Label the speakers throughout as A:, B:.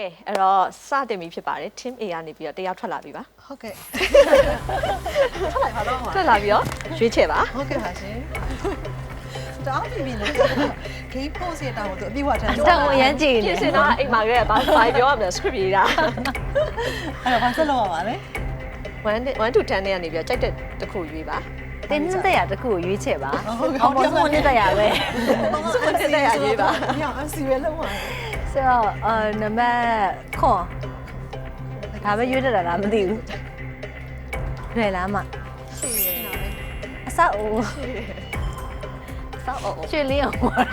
A: အဲ့တော့စတင်ပြီဖြစ်ပါတယ် team A ကနေပြီးတော့တယောက်ထွက်လာပြီပါ
B: ဟုတ်ကဲ့ထွက်လိုက်ပါတော့
A: ထွက်လာပြီးတော့ရွေးချယ်ပါ
B: ဟုတ်ကဲ့ပါရှင်တောင်းပြီလေဂိမ်းဖို့စီတောင်းတော့အပြည့်ဝထမ်း
C: တောင်းအရန်ကြည့်နေ
A: ပြင်စင်တော့အိမ်မှာကလေးဘာပြောရမလဲ script ရေးတာ
B: အဲ့တော့ဘာဆက်လုပ်ရပါလဲ
A: 1 to 10နဲ့ကနေပြီးတော့ကြိုက်တဲ့တစ်ခုရွေးပါ
C: တင်းနှစ်ရတစ်ခုကိုရွေးချယ်ပါ
B: ဟုတ်ကဲ့
C: အော်ဘောဆုံးနှစ်ရပဲ
A: စုံတဲ့ရရွေးပါ
B: ညောင်အစီပဲလုံးပါ
C: ဆိုတော့နံပါတ်ခွန်ဒါပဲရွေးတတ်တာလားမသိဘူးလွယ်လားမ
A: ရှိရယ်
C: အဆောက်အဦ
A: စောက်အောင်
C: ရွှေလင်းအောင်
A: စောက်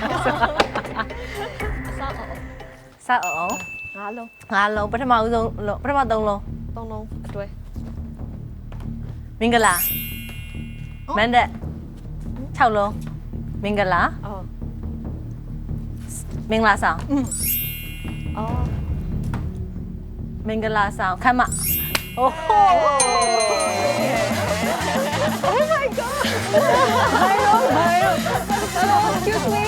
A: အောင်
C: ဆောက်အောင်
A: ငါးလုံး
C: ငါလုံးပထမဦးဆုံးပထမ3လုံး
A: 3လုံးအတွဲ
C: မင်္ဂလာမန္တ6လုံးမင်္ဂလာ
A: အော်
C: မင်္ဂလာဆောင်
A: အော်
C: မင်္ဂလာဆောင်ခမ်းမအိုး
A: Oh my god excuse me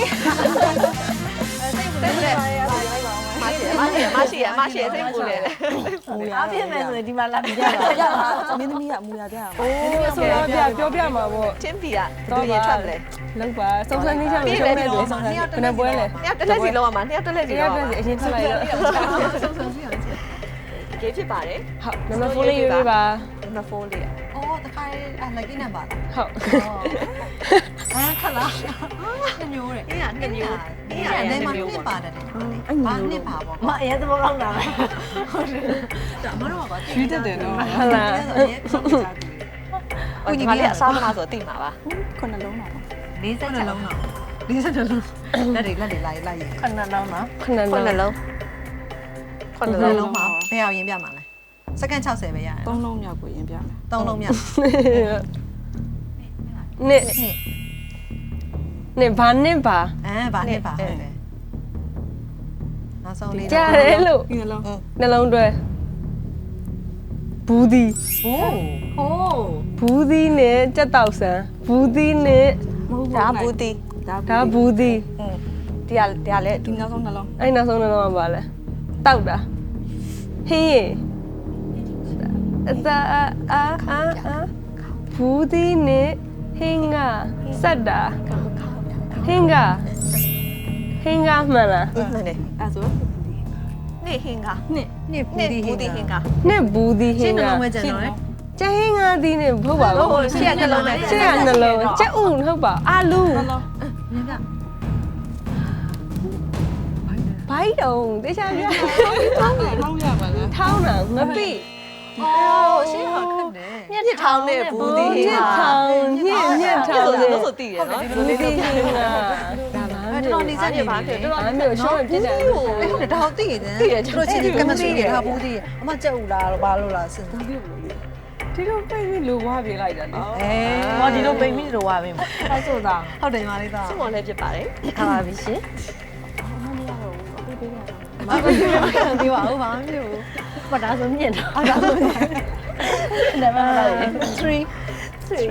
A: မရှိရစိတ်ပူလေ
C: အားပြည့်မယ်ဆိုရင်ဒီမှာလာပြကြပါ
B: ရပါမင်းသမီးကမူရတဲ့ဟာ
A: โอ้ဆိုတော့ပြောပြမှာပေါ့ Team B ကဘယ်လိုရင်ထွက်မလဲ
D: လောက်ပါစုံစမ်းနေကြလို့ရှုံးနေတယ်ဘယ်နှပွဲလဲ
A: နှစ်ယောက်တစ်လက်စီလောက်ရမှာနှစ်ယောက်တစ်လက်စီ
D: တရား
A: လောက်ရ
D: ပြ
A: မှာ
D: စီအရင်ထွက်လိုက်တော့
A: ဂေးဖြစ်ပါတယ်
D: ဟုတ်နံပါတ်4လေးရွေးပါ
A: နံပါတ်4လေး
B: အော်တခါလွက်ကင်းနံပါတ်
D: ဟုတ်
B: ခက်လားနှစ်မျိုးတဲ့
A: အေးကနှစ်မျိုး
B: အေးအဲ့မှာနှစ်ပါတယ်ဘာနှစ်ပါပေါ့
C: မအရင်သဘောကောင်းတာပဲ
B: ဒါအမတို့ကပါ
D: ရွေးတတ်တယ်နော်
B: ဟုတ်လား
A: ဒီမှာလည်းအစားသမားဆိုသိမှာပါ
D: ခုနှလုံးပါ
B: 40လုံးတော့40လုံးလက်တွေလိုက်ရ
C: ခဏတော့နော်
D: ခုနှ
A: ခုနှ
D: လုံး
A: လုံးခုနှ
B: နှ
A: လုံး
B: လုံးမှာဘယ်အောင်ရင်ပြမှာလဲစက္ကန့်60ပဲရတယ်
D: 3လုံးမြောက်ကိုရင်ပြမယ်
B: 3လုံးမြတ်
D: နှစ်
B: နှစ်
D: နှစ်ဘာနှစ်ပါ
B: ဘာနှစ်ပါဟုတ်တယ်နောက်ဆုံးလေး
D: ကြားတယ်လို့
B: နှလုံး
D: နှလုံးတွဲဘူးဒီ
B: ဟိုး
D: ဘူးဒီနဲ့ကြက်တောက်ဆန်းဘူးဒီနဲ့
A: ဒါဘူးတီ
D: ဒါဘူးဒီ
A: တရားလည်း
D: အဲ့နောက်ဆုံးနှလုံးကပါလဲတောက်တာဟင်းရင်အသာဘူးဒီနဲ့ဟင်းကစက်တာဟင်းကမှန်လား
A: မှန်တယ်
D: အဲ့ဆို
A: နေဟင်က
D: နှစ်
B: နှစ်
A: နေ
B: ဘူးဒီ
A: ဘူးတီဟင်က
D: နှစ်ဘူးဒီဟ
B: ရှ
D: င်း
B: င်းနှ
D: က
B: လုံးပဲကျန်တော့လေ
D: ကျဟင်းငါးဒီနဲ့ဟုတ်ပါဘူး
A: ရှေ့ကနှလုံးနဲ့
D: ရှေ့ကနှလုံးကျက်ဥဟုတ်ပါအာလူ
B: မြင်ပြ
D: ဘိုက်တုံတေချာပြ
B: ထောင်းရပါလား
D: ထောင်းတာမပိ
A: အော်ရှေ့က
B: ခက်တယ်
A: ညစ်ထောင်းနေဘူးတီဟ
D: ည
A: င်
D: က်
A: က
D: ထောင်းညက်ထောင်း
A: ဆို
D: တယ်
A: လို့ဆိုတည်ရနော်
D: ဘူးဒီဟင်းကဒါပါ
B: တော်တော်နေစက်နေပါ
A: တော်တော်
D: အဲ့မျိုးရှော့ပြစ်တယ်
B: အဲ့ဟုတ်တယ်ဒါဟုတ်သိရတယ်သူတို့ချင်းကမစီတယ်ဟာဘူးဒီအမကြက်ဦးလားဘာလို့လားစဉ်းစား
D: ဒီလိုပိတ်ပြီးလူဝါပြေးလိုက်တာလေ
C: ဟောဒီလိုပိတ်ပြီးတော့ဝါပြီအဲ့ဆိုတာ
B: ဟုတ်တယ်ညီမလေးသား
A: စမော်လည်းဖြစ်ပါတယ်
C: ထားပါပြီရှင်
B: မပြောပါဘူးဘာမှမပြောဘူး
C: ပဒါဆိုမြင်တော့
B: အဲ့ဒါဆို
C: နံပါတ်လိုက်
B: 3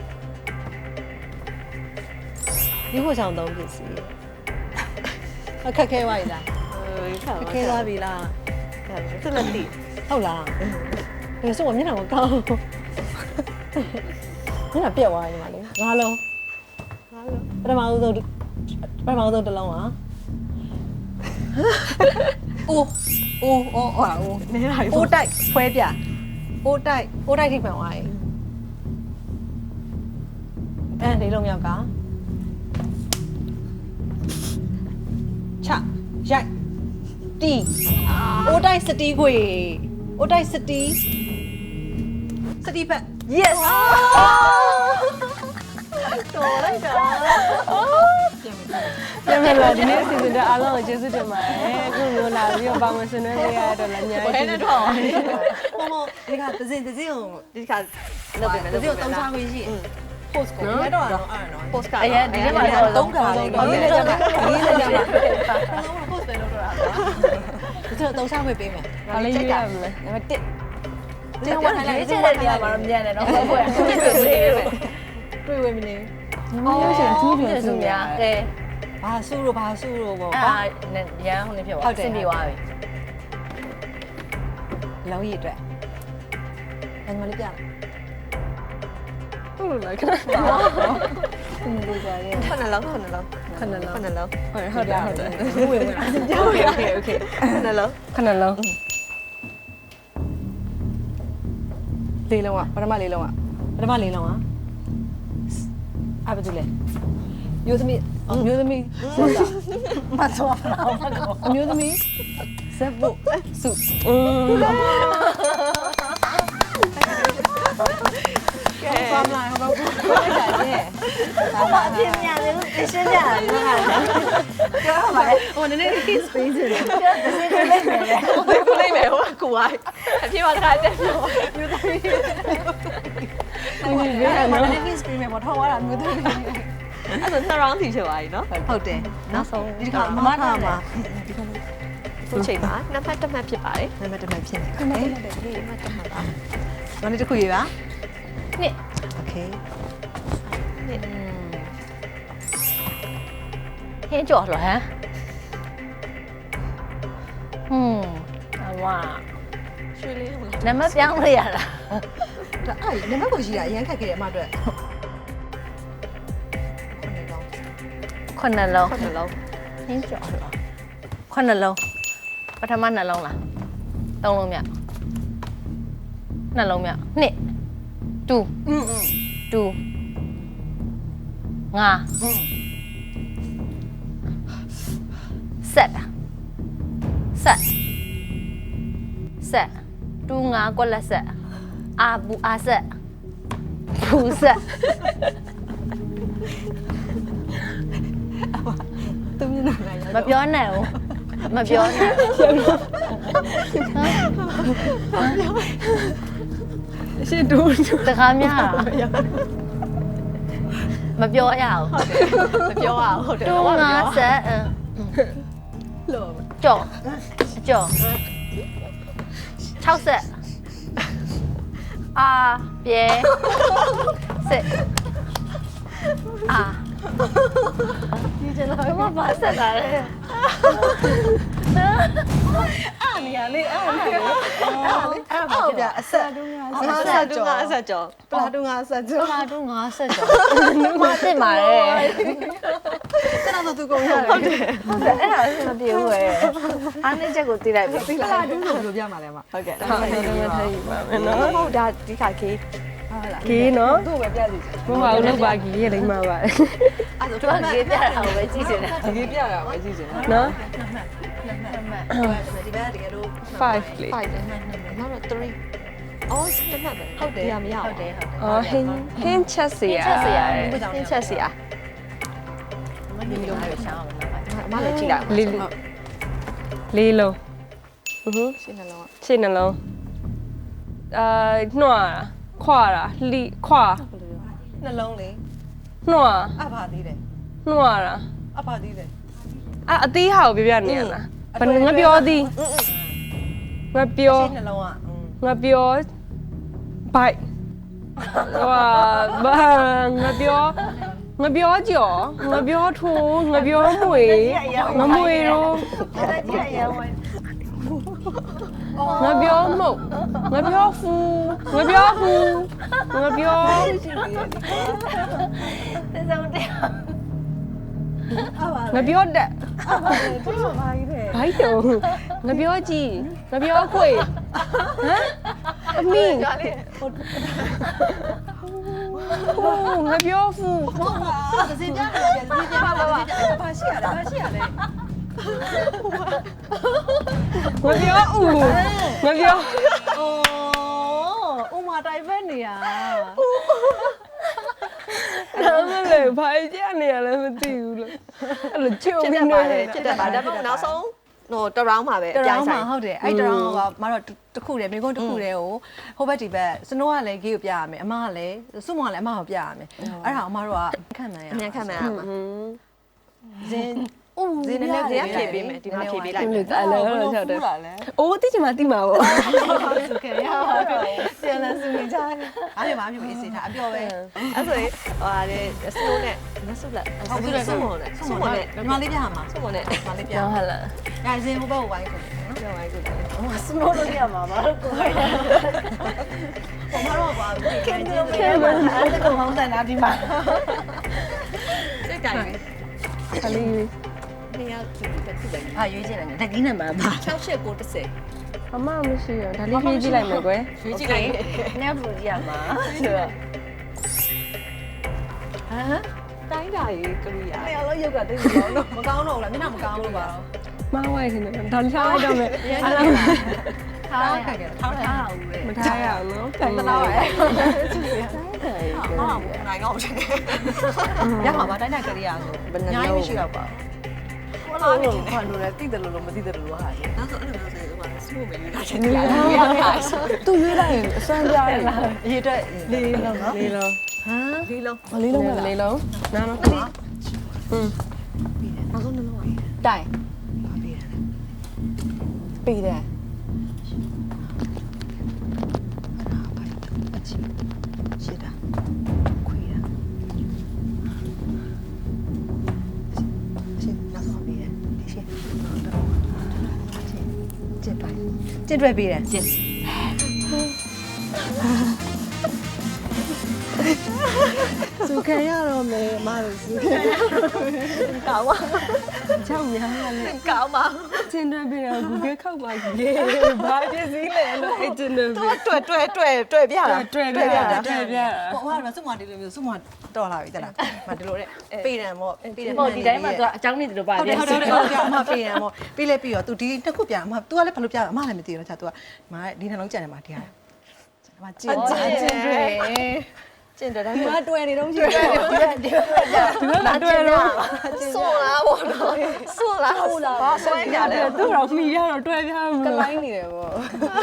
B: ဒီကိုချောင်းသုံးပစ္စည်းအခက်ခဲပါလားခဲသွားပြီလား
A: သူလည်းတည်
B: ဟုတ်လားဒီဆိုမျက်နှာမကောင်းမျက်နှာပြက်သွားညီမလေးငါလုံးပထမဦးဆုံးတစ်လုံးอ่ะအိုးနေလိုက်အိုးတိုက်ဖွဲပြအိုးတိုက်ထိမှန်သွားရင်ဒီလုံးမြောက်ကချရိုက်တီအိုးတိုက်စတီးခွေအိုးတိုက်စတီးဘက်
A: yes တော်လိုက်တာ
D: ပြန်မလာဒီနေ့စီစဉ်တဲ့အားလုံးကိုကျေးဇူးတင်ပါတယ်အခုမျိုးလာပြီးတော့ပါဝင်ဆွေးနွေးပေးရတော့လည်းအများ
A: ဘယ်
D: ကြီး
A: နဲ့တော့
B: မဒီကသစင်ကို
A: ဒီခါလုပ်ပေးမယ်
B: သစင်ကိုတုံးချခွင့်ရှိ post ကိုလည်းတော့အဲ့နော်
A: post က
C: အရင်ဒီထဲမှာတော့
B: တုံးကလေးကိုရေးလိုက်ကြပါရေးလိုက်ကြပါတော့ post ပဲလုပ်တော့တာဒီတော့တုံးချခွင့်ပေးမယ်
D: ဘာလေးရေးရမလဲ
B: နံပါတ်1
C: ဒီတော့ဝင်လိုက်တဲ့နေရာမှာတော့မြန်တယ်နော်ဘယ်ဘယ်
B: တွေ့ဝေမနေ
D: ဒီမှာရုပ်ရှင်သူ့ပြန်
C: စု
D: စု
C: များကဲ
B: ဘာစုလို့ပေါ့
C: အာရန်ဟိုနေဖြစ်သွားဆင်ပြေသွားပြီ
B: လုံးကြီးအတွက်ညီမလေးပြလိုက်
D: ဟုတ်လို့လားခဏ
B: ဒီလိုကြရဲ
A: ခုနလုံးခုနလုံး
D: ခဏလုံး
A: ခုနလုံး
D: ဟုတ်တယ်ဟုတ်တယ်
B: ဘူးဝင်ဝင်
A: โอเคโอเคခုနလုံး
D: ခဏလုံး
B: လေးလုံးอ่ะပထမလေးလုံးอ่ะပထမလေးလုံးอ่ะအဘဒူလေမျိုးသမီးမျိုးသမီးဆက်တာမဆောဖလာအမျိုးသမီးဆက်ဖို့စု ဖမ်းလာတော့ဘယ်လိုလဲ
C: အပြင်ညာလေးကိုရှင်းပြတာပြောပါမယ်
B: ဟိုနည်းနည်း space တွေ
C: ပြောတစ်စင်းလေးလိုက်မယ်လေ
A: ခုလိုက်မယ်ဟိုကူဝိုင်းအပြေပါတခါတက်ပြော
B: မျိုးသမီးနည်းနည်း space မှာပေါ်ထောက်ရတာမျိုးသမီး
A: အဲ့ဒါ2 round ထိချွာပြီနော်
B: ဟုတ်တယ်
C: နောက်ဆုံး
B: ဒီကမမထားမှာ
A: ခုချိန်မှာနှစ်ဖက်တစ်မှတ်ဖြစ်ပါတယ်
B: နံပါတ်တစ်မှဖြစ်နေတယ်
A: နှစ်ဖက်တစ်မှတ်ပါ
B: မနေ့တစ်ခုရေးပါ
C: နှစ်
B: โอเค
A: နှစ်
C: ဟင်းကြော်လို့ဟမ်အဝါ
A: ရွှေလေးဟုတ်လား
C: နံပါတ်ပြောင်းလို့ရလား
B: ဒါအဲ့နံပါတ်ကိုရေးတာအရင်ခက်ခဲ့တယ်အမအတွက်
C: ခုနှစ်လုံး
A: ခုနလုံး
C: ဟင်းကြော်လို့ခုနှစ်လုံးပထမနှလုံးလားသုံးလုံးမြောက်နှလုံးမြောက်နှစ်တူတူငါဆက်တူငါကွက်လက်ဆက်အာဘူးအာဆက်ဘူးဆက်
B: သူမျက်နှာလိုက်
C: မပြောနဲ့ဦးမပြောနဲ့
D: ရှင်းတူ
C: တကားများမပြောရအောင်
A: မပြောရဟုတ်တယ်
C: တူငါဆက်
B: လို့
C: ကြော်6ဆက်အာပြေစစ်အာ
B: ဒီကျလာ
C: မမဆက်တာလေ
B: အားနေရလေအားနေရအားပါပြအဆက်တူငါ
A: ငါဆက်တူငါဆက်ကြော
B: ပလာတူငါဆက်ကျော်
C: လာတူငါဆက်ကြော်မစစ်ပါလေ
B: ကျွန်တော်သူကုန်ရတယ်
C: ဟုတ်တယ်အဲ့ဒါမပြေဘူးပဲအားနေချက်ကိုသိလိုက်ပြီ
B: ပလာတူဆိုဘယ်လိုပြမှာလဲမ
A: ဟုတ်ကဲ့
D: ဟုတ်တယ်မထိုင်ပါမယ်နော်
A: ဟုတ်ဒါဒီခါကေး
B: ဟုတ်လား
D: ဂေးနော်
B: သူ့ပဲပြစီ
D: မမအောင်လောက်ပါဂေးရဲ့လိမ့်မှာပါ
B: အဲ့ဒါ
C: သူကရေးပြတာကိုပဲကြည့်နေတယ်
B: ဒီပြတာပဲကြည့်စင်
D: နော်
B: ဒီဘက်တကယ်လို့
D: 5လေး
A: 5တယ်နောက်တော့3အော်ဆက်မှတ်ပဲဟုတ်တယ်မရ
C: ဟုတ်တယ်ဟုတ်တယ်
D: အော်ဟင်းချက်စရာ
C: ချက်စရာ
A: ဟင်းချက်စီအား
C: မဒီလိုမျိုးရှောင်းအောင်နော်
A: အမလည်းကြည့်လိုက်
D: လေးလုံး
A: ရှင်းနှလုံး
D: ရှင်းနှလုံးနှွာခွာတာလှီခွာ
B: နှလုံးလေး
D: နှွာ
B: အဖာသေးတယ်
D: နှွာတာ
B: အဖာသေးတယ်
D: အသေးဟာကိုပြောပြနေရလားငါပြောသည်ငါပြော
B: နှလုံးอ่ะ
D: ငါပြောဘိုက်ဟာငါပြောကြော်ငါပြောထိုးငါပြောမွေငါမွေရောငါပြောမုတ်ငါပြောဖူငါပြောဖူငါပြော
C: သစ္စာမတရား
D: ငါပြောတက်
B: သူ့မှာကြီးတယ်
D: ဘိုက်တော့ငါပြောကြည့်ငါပြောခွေဟမ်အမီ
A: ကြွားလေး
D: ငါပြောဖူ
B: သစင်ပြတယ်ပြန်သစင်ပြပါဘာရှိရလဲဘာရှိရလဲ
D: ငါပြောဦးငါပြော
B: အိုးဥမာတိုင်ဖက်နေရ
D: ဒါမှလည်းဘာကြနေရလဲမသိဘူးလို့အဲ့လိုချုံ
A: ဖြစ်တ
D: ပြီး
A: တ်
D: နေ
A: ပါတယ်ဖြစ်တတ်ပါဒါပေမဲ့နောက်ဆုံးဟိုတရောင်းမှာပဲ
B: တရောင်းမှာဟုတ်တယ်အဲ့တရောင်းကမတော့တခုတည်းမိကုန်းတခုတည်းကိုဟိုဘက်ဒီဘက်စနိုးကလည်းဂေးကိုပြရမယ်အမကလည်းစုမကလည်းအမကိုပြရမယ်အဲ့ဒါအမတို့ကခံမှန်းရ
A: အမြန်ခံမှန်းရမှာ
B: ဇင်း
A: ဇင်းနဲ့ဇင်းဖြေပေးမယ်ဒီမှာဖြေပေးလိုက်မယ်
D: အဲ့လိုဟုတ်တယ်အိုးတိကျမတိမှာပေါ့
B: ဆိုခဲ့ရပါတယ်ပြန်လာစုနေကြတယ်အားရပါမြင်စေတာအပြောပဲ
A: အဲ့ဆိုရင်ဟိုဟာလေစနိုးနဲ့မဆုလက်ဆုမနဲ့
B: စုမနဲ့ညီမလေးပြရမှာ
A: ဆုမနဲ့
B: ညီမလေးပြ
D: ဟုတ်ဟလား
B: ညာဇင်းဟိုဘက်ကိုဝိုင်းခုနော်
A: ပြောလိုက်ကို
B: ဟိုစနိုးလို့ရမှာမလို့ကိုယ်ဟိုမတော့ပါဘူးခင်ဗျာအဲ့ဒါကောင်ဟောင်းတယ်နာဒီမှာစိတ်ကြိုင်
D: ခလေး
A: နေရာကြည့်တစ်ခုပဲ
B: ဟာရွေးချင်တယ်တကင်းနဲ့မှာပါ
A: 68
D: အမမရှိရဒါလေးပြေးကြည့်လိုက်မယ်ကွယ်
B: ရွေးချင်တယ်နဲ့ဘလူးရမှာဆိုတော့ဟမ်
A: တိုင်းတာရေးကရိယာ
B: အဲ့တော့ရုပ်ကတိတ်မကောင်းတော့မကောင်းတော့ဘူးလားမျက်နှာမကောင်းလို့ပါတော့
D: မဝိုင်းခင်ဗျဒါထားလိုက်တော့မယ်
B: ထားလိုက်ခဲ့တယ်ထားအောင်လေ
D: မထားရအောင်နော်တိုင်
B: တ
D: တော့
B: လား
D: ရ
B: ပဲဟာနိုင်တော့တယ်ရမှာပါတိုင်းတိုင်းကလေးရဆိုညာကြီးမရှိတော့ပါဘူးဘာလို့ဘာလို့လဲတိတယ်လို့မသိတယ်လို့ဟာကြီး
A: နောက်ဆိုအဲ့လိုမျိုးဆိုရင်ဟိုစမို့မယူတာချင်းတရားရရဆို
D: သူရွေးလိုက်ရင်အစမ်းပြရတယ်လား
B: ရေအတွက်လေးလုံးနော်
D: လေးလုံး
B: ဟမ်
A: လေးလုံး
D: လေးလုံးပဲလေးလုံးနားနော်อืม
A: နောက်ဆုံးနှလုံးပါ
B: တိုင်
D: ပြီးတယ်
B: ရှိတာခွေးတာရှင်းနောက်ဆုံးပြီးတယ်ရှင်းကျစ်တိုင်းကျစ်တွဲပြီးတယ်ကျစ်စုခံရတော့မယ်မလို့စုခံရတော့မယ်ကောင်းပါ
D: ချောင်းများရတယ်
B: ကောင်းပါ
D: ချင်းတွဲပြီးတော့ Google ခောက်ပါကြီးဘာပြည့်စည်လဲလို့အဲ့တင်နေပြီ
B: တွဲပြတာ
D: တွေ့ပြတာတွေ့ပြတာ
B: ဟိုဟာစုမဒီလိုမျိုးစုမတော်လာပြီတလားမဒီလိုတဲ့ပေတံပေါ့ပေတံ
C: ဟုတ်ဒီတိုင်းမှာသူကအကြောင်းနေတယ်လို့ပါ
B: ဟုတ်တယ်ဟုတ်တယ်ဟုတ်တယ်အမပေတံပေါ့ပြီးလဲပြီးတော့ तू ဒီတစ်ခုပြန်အမ तू ကလည်းဘာလို့ပြအမလည်းမသိဘူးနော်ချာ तू ကမဒီနှလုံးကြံတယ်မှာဒီဟာအမကျင်တွေကျင်တယ်ဒါပေမဲ့တွယ်နေတော့ရှိတယ်ဒီက
D: တွေ့တော့
A: ဆိုလားဘောနော်ဆိုလားဟုတ်လားဘာဆွဲကြလဲ
D: သူ့တော့မိရတော့တွေ့ပြမှာ
B: ကလိုင်းနေတယ်ပေါ့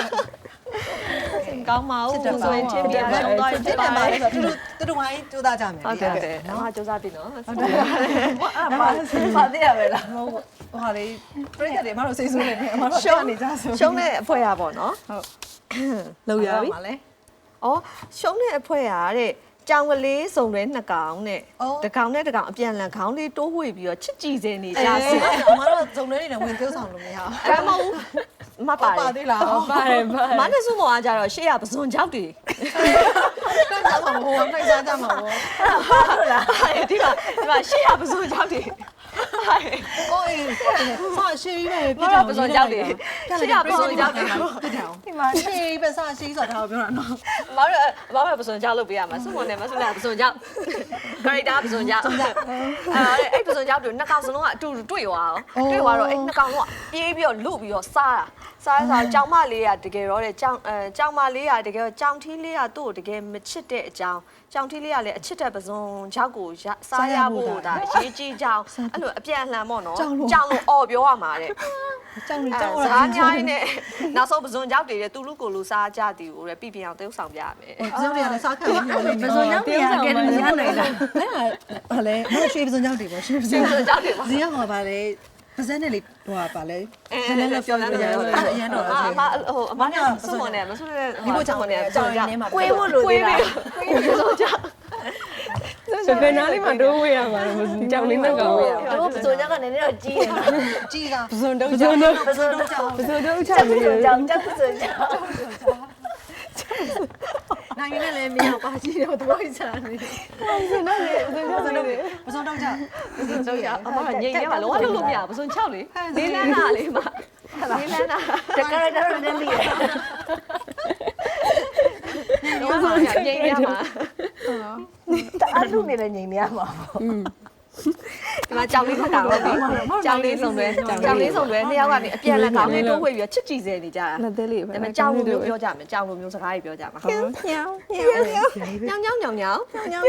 A: ကောင်းပါဦးဆိုရင်ချင်းပြရှုံးသွား
B: ဖြစ်တယ်ပါလေဆိုတော့သူတို့ဝိုင်းကြိုးစားကြမယ်
A: ဟုတ်တယ်အမစူးစမ်းပြီနော်ဟုတ်တယ်
B: အမပါသေးရပဲလားမဟုတ်ဟိုဟာလေပြိတ္တတွေအမတို့စိတ်ဆိုးနေတယ်အမတို့ရှုံးနေကြဆို
A: ရှုံးတဲ့အဖွဲရပေါ့နော်
B: လောက်ရပြီ
A: ဩရှုံးတဲ့အဖွဲရတဲ့ကြောင်ကလေးစုံတွဲနှစ်ကောင်နဲ့တကောင်နဲ့တကောင်အပြန်လန်ခေါင်းလေးတိုးဝှေ့ပြီးတော့ချစ်ကြည်စင်နေကြစီ
B: အမတို့ဇုံတွေနဲ့ဝင်ကျိုးဆောင်လို့မရဘူး
A: အဲ့မဟုတ်မပါ
B: ပါသေးလား
D: ပါတယ်ပါ
A: မနဲ့စုမောကကြတော့ရှေ့ရပစွန်ကြောက်တွေ
B: တော့ကြောက်မှာမဟုတ်ဘူးနှိုက်စားကြမှာပေါ့
A: ဟုတ်လားဒီမှာရှေ့ရပစွန်ကြောက်တွေ
B: ကိုအေးဆောရှေးပဲပြ
A: ဘာလို့ပစွန်ကြောက်တွေရှေ့ရပစွန်ကြောက်တွေ
B: ဒီမှာရှေးပဲဆောရှေးဆိုတာကိုပြောတာနော်
A: မတို့ပစွန်ကြောက်လုပ်ပေးရမှာစုမောနဲ့မစုနဲ့ပစွန်ကြောက်ကာရီတာပစွန်ကြောက်အဲ့ပစွန်ကြောက်တွေနှစ်ကောင်စလုံးကအတူတူတွေ့သွားအောင်တွေ့သွားတော့အဲ့နှစ်ကောင်လုံးကပြေးပြီးတော့လုပြီးတော့စားတာကြောင်မလေးကတကယ်တော့တဲ့ကြောင်မလေးကတကယ်ကြောင်ထီးလေးကသူ့ကိုတကယ်မချစ်တဲ့အကြောင်းကြောင်ထီးလေးကလည်းအချစ်တဲ့ပစွန်ကြောက်ကိုစားရဖို့ဒါအရေးကြီးကြောင်းအဲ့လိုအပြန်အလှန်ပေါ့နော်ကြောင်လို့အော်ပြောရမှာတဲ့
B: ကြောက်နေကြောက်
A: ဇားညားရင်းနဲ့နောက်ဆုံးပစွန်ကြောက်တွေတူလူကိုလူစားကြသည်ကိုလည်းပြအောင်တရုပ်ဆောင်ပြရမယ်
B: ပစုံတွေကလည်းစားခံလို့ပြောနေပစုံကြောင့်ပြန်ကဲတယ်မရနိုင်လားအဲ့ဒါဘာလဲမရွှေပစုံကြောင့်တွေပေါ့ရွှေပစုံ
A: ပစွန်ကြောက်တွေပါ
B: ဇီးရမှာပါလေပါဇက်နဲ့လေဟိုပါလေဇက်နဲ့လည်းပြောလို့ရတယ်အရန်တော့
A: အမဟိုအမနဲ့စုမနဲ့မစုနဲ့ဒီလိုကြောင့်နဲ့ကြောက်ကြကွေးဖို့လိုသေးတာပစွန်ကြောက်
D: ဘယ်နားလေးမှာတိုးဝေးရမှာလဲကြောင်လေးနဲ့ကောင်ဝေးရ
C: တို့ပစိုးကြကလည်းနည်းတော့ကြီးတယ်
B: ကြီးတာ
D: ပစုံတော့ပစုံတော့
C: ပစိုးတော့ကြောင်
D: ပစုံတော့ချ
C: ချက်ပ
D: လေး
C: စိုးကြောင်ချက်ပစိုးကြောင်
B: နိုင်ရလည်းမရပါကြီးတော့တော့ချာနေ ပစုံတော့ကြောက်
A: ကြောက်ရအမကငိမ့်နေမှာလောလုံးလို့မရပစွန်6လေလေးလန်းတာလေးမှာလေးလန်းတာ
C: တကယ်တော့လည်းလီး
A: လောမှာငိမ့်နေမှာ
C: အဲ့လူနေလည်းငြိမ်နေရမှာပေါ့
A: ဒီမှာကြောင်လေးဖတ်တာဟုတ်ပြီကြောင်လေးစုံတွဲနှစ်ယောက်ကနေအပြန်လက်ကောင်းလေးတိုးဝေးပြီးချစ်ကြည်စဲနေကြတာ
D: လက်သေးလေးပဲ
A: ဒါပေမဲ့ကြောင်လိုမျိုးပြောကြမယ်ကြောင်လိုမျိုးစကားတွေပြောကြမှာညောင်းညောင်းညောင်းညောင်းညောင်း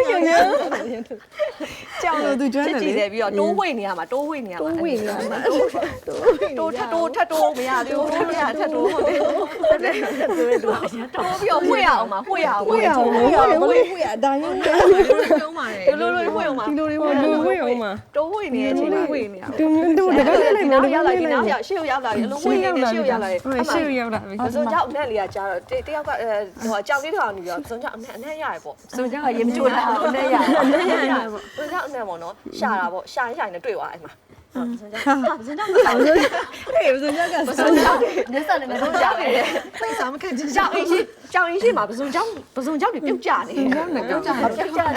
D: ကြောင်လို့သူကျွမ်း
A: ချစ်
D: တယ်
A: ကြည်
D: လေ
A: စဲပြီးတော့တိုးဝေးနေရမှာတိုးဝေးနေရမှာ
D: ဝေးနေရမှာ
A: တိုးထပ်တိုးမရသေးဘူးထပ်မရထပ်တိုးဟုတ်တယ်တိုးပြီးတော့ဝေးရအောင်မှာဝေးရအောင်
D: ဝေးအောင်ဝေးအောင်ဝေးအတိုင်းရုံးတယ်
B: ပြုံးပါတယ်
A: လိုဝေးအောင်မှာ
D: ဒီလိုလေးဝေးအောင်ဝေးအောင်မှာ
A: တိုးဝေးနေတဲ့အချိန်မှာဝေးနေရ
D: တူတူတကယ်လေး
A: နောက်
D: တကယ်
A: ရောက်လာ
D: လေး
A: ဒီနောက်ရောက်ရှေ့ရောက်လာပြီအလုံးဝေးနေရှေ့ရောက်လာတယ်
D: ဟုတ်ရှေ့ရောက်လာပြီ
A: ပစုံကြောက်အနက်လေးကကြားတော့တယောက်ကဟိုကြောက်လေးထောင်နေပြီးတော့ပစုံကြောက်အနက်ရတယ်ပေါ့
D: စုံကြက
A: ရေမကျွတ်လာအနက်ရအနက်ရပေါ့ပစုံကြောက်အနက်ပေါ့နော်ရှာတာပေါ့ရှာရင်နဲ့တွေ့သွားအဲ့မှာပစုံကြောင့်ဟာပစုံကြောင့်
B: ဟေးဘယ်ဆိုကြက
A: ပစုံကြောင့်နေစနေပစုံကြောင့်လေ
B: သိစားမခံချင်
A: ကြောင်အင်းရှိမှာပစုံကြောင့်တွေပြုတ်ကြနေတယ်
B: ကြောင်နဲ့ကြောင်ကြ
A: ပြုတ်ကြတယ်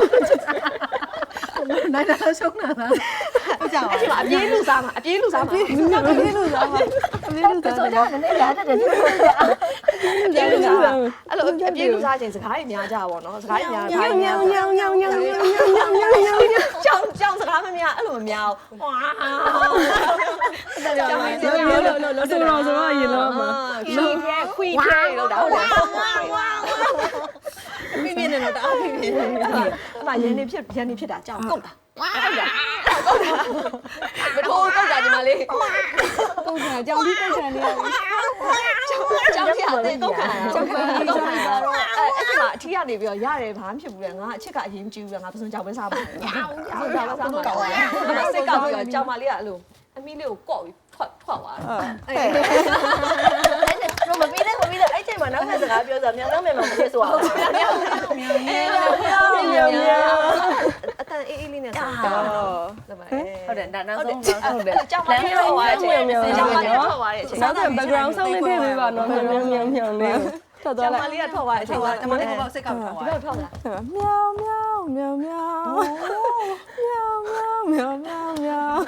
B: နိုင်တာရှုံးတာလားဟုတ်ကြပါ
A: အဲ့ဒီမှာအပြေးလူစားမှာအပြေးလူစားမှာ
B: ဘူးလို့စားပါဘူးလို့စား
A: ပစုံကြောင့်နည်းနည်းလာတဲ့တူအပြေးလူစားအဲ့လိုအပြေးလူစားခြင်းစကားတွေများကြပါဘောနော်စကားတွေများကြညောင်ညောင်ညောင်ညောင်ညောင်ညောင်ညောင်ညောင်ညောင်ကြောင်စကားမများအဲ့လိုမများဝါကြောင်ရင်းကြောင်
D: လောဆိုတော့ရင်လောမှာ
A: ခွီးခဲလို့တော့ဟုတ်တယ်
B: ပြင်းပြင်းနဲ့တော့တအားပြင်းပြင်း
A: အမရန်နေဖြစ်တာကြောင်ကုတ်တာဟုတ်တယ်မထိုးကုတ်တာဒီမှာလေး
B: ကုတ်ခံကြောင်ပြီးကုတ်ခံနေရပြီ
A: ကြောင်ရတဲ့ကုတ်ခံကြောင်ခံအဲ့ဒီမှာအထီးကနေပြီးတော့ရတယ်ဘာမှဖြစ်ဘူးလေငါအချစ်ကအရင်ကြည့်ဘူးငါပစုံကြောင်ပဲစားမှာပစုံကြောင်ပဲစားမှာစိတ်ကောက်ပြီးတော့ကြောင်မလေးကအဲ့လိုအမီးလေးကိုကော့ပြီးထွက်သွားတယ်အဲ့တော့မပြီးတဲ့အဲ့ချိန်မှာနောက်ထပ်စကားပြောဆိုမြန်မြန်မဖြစ်ဆိုအောင်မြန်အတန်အေးလေးနဲ့ဆောင်းတော့ဟုတ်တယ်ဒါနောက်ဆုံးဟုတ်တယ်ကြောင်မလေးထွက်သွားတဲ့အချိန်ကြောင်မလေးထွက်သွားတဲ့အချိန်
D: နောက်ထပ် background sound လေးထည့်ပေးပါနော်မြောင်လေးထွက်သွား
A: ကြောင်မ
D: လိုက်
A: လေးကထွက်သွားတဲ့အချိန်က
B: တမလေးကတော့စိတ်ကောက်ထား
A: ဒီ
B: ပါ
A: ဘက်ထွက်လာ
D: မြောင်မြောင်မြောင်မြောင်မြောင်မြောင်မြောင်မြောင်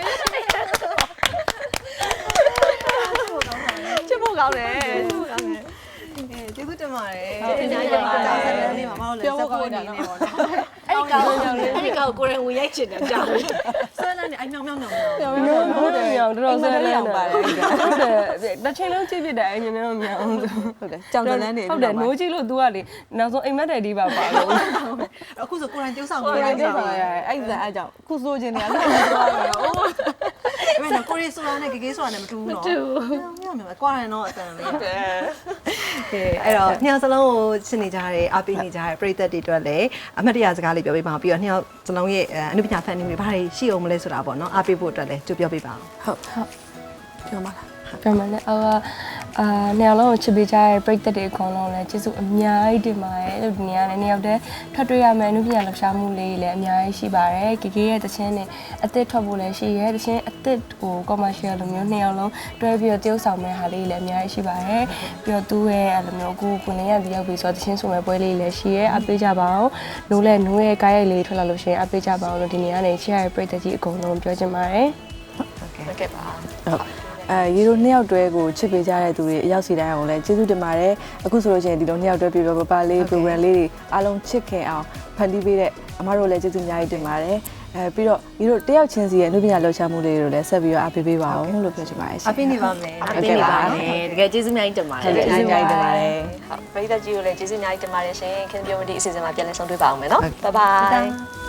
A: ချစ်ဖို့ကောင်းတယ်ချစ်ဖို့ကောင်းတယ်
B: ကျေးဇူးတင်ပါတယ်
A: ကျေးဇူးတင်ပါတယ်
B: ဆက်နေမှာမဟုတ်လေစပေါ်နေနေပေါ့နော်
A: အဲ့ဒီကောင်ကိုရင်ဝင်ရိုက်ချင်တယ်ကြောင်
B: ဆွဲနေအဲ့မြောင်မြောင်မြောင်
D: မြောင်မြောင်ဟုတ်တယ်မြောင်တော်တော်ဆဲလန်းပါတယ်ဟုတ်တယ်တစ်ချိန်လုံးကြည့်ပြတယ်အရင်ကမြောင်ဟုတ်တယ်
B: ကြောင်တန်းနေ
D: ဟုတ်တယ်နိုးကြည့်လို့ तू ကလေနောက်ဆုံးအိမ်မက်တယ်ဒီပါပါလို့
B: အခုဆိုကိုရန်ကျိုးဆောင်ကိုရန်ကျိုးဆောင်ရအဲ့ဒါအဲ့ကြောင့်ခုဆိုခြင်းနေရလို့ပြောရတော့အိုးအဲ့တော့ကိုရီဆိုတာနဲ့ဂေဆိုတာနဲ့မတူဘူးနော်မြောင်မြောင်ကွာရန်တော့အတန်လေးဟုတ်တယ်အဲ့တော့နှစ်ယောက်စလုံးကိုချစ်နေကြတယ်အားပေးနေကြတယ်ပရိသတ်တွေအတွက်လည်းအမှတ်တရစကားလေးပြောပေးပါအောင်ပြီးတော့နှစ်ယောက်စလုံးရဲ့အနုပညာဖန်တီးမှုတွေဘာတွေရှိအောင်မလဲဆိုတာပေါ့နော်အားပေးဖို့အတွက်လည်းကြိုပြောပေးပါအောင်ဟုတ်ပြောပါလား
D: ပြန်မလဲနေရာလုံးကိုချစ်ပေးကြတဲ့ပရိသတ်တွေအကုန်လုံးလည်းကျေးဇူးအများကြီးတင်ပါတယ်လို့ဒီနေ့ကလည်းနေရာတဲ့ထွက်တွေ့ရမယ်အနုပညာလှူရှားမှုလေးလည်းအများကြီးရှိပါတယ်ကေကေရဲ့တခြင်းနဲ့အသစ်ထွက်ဖို့လည်းရှိရဲတခြင်းအသစ်ကို commercial လိုမျိုးနှစ်ယောက်လုံးတွဲပြီးတော့တရုပ်ဆောင်မဲ့ဟာလေးလည်းအများကြီးရှိပါတယ်ပြီးတော့သူ့ရဲ့အဲ့လိုမျိုးအခုကိုနေရတယောက်ပြီးဆိုတခြင်းဆိုမဲ့ပွဲလေးလည်းရှိရဲအပေးကြပါအောင်နိုးရဲ့ကားရိုက်လေးထွက်လာလို့ရှိရင်အပေးကြပါအောင်လို့ဒီနေ့ကနေချစ်ရတဲ့ပရိသတ်ကြီးအကုန်လုံးပြောချင်ပါတယ်
A: ဟုတ်ကဲ့ပါ
E: ရေတို့နှစ်ယောက်တွဲကိုချစ်ပေးကြတဲ့သူတွေအရောက်စီတိုင်းအောင်လည်းကျေးဇူးတင်ပါတယ်အခုဆိုလို့ရှိရင်ဒီလိုနှစ်ယောက်တွဲပြပြပပလေး program လေးတွေအားလုံးချစ်ခင်အောင်ဖန်တီးပေးတဲ့အမတို့လည်းကျေးဇူးအများကြီးတင်ပါတယ်ပြီးတော့ရေတို့တယောက်ချင်းစီရဲ့အနုပညာလှူရှားမှုလေးတွေလည်းဆက်ပြီးတော့အားပေးပေးပါအောင်လို့ပြောချင်ပါတယ်ရှင်
B: အားပေးနေပါမယ်
A: အားပေးနေပါမယ်တကယ်ကျေးဇူးအများကြီးတင်ပါတယ်
E: ကျေးဇူးအများကြီးတင်ပါတယ်
A: ဟုတ်ပရိသတ်ကြီးကိုလည်းကျေးဇူးအများကြီးတင်ပါတယ်ရှင်ခင်ဗျာဒီအစီအစဉ်မှာပြန်လည်ဆုံတွေ့ပါအောင်မယ်နော်ဘိုင်ဘိုင်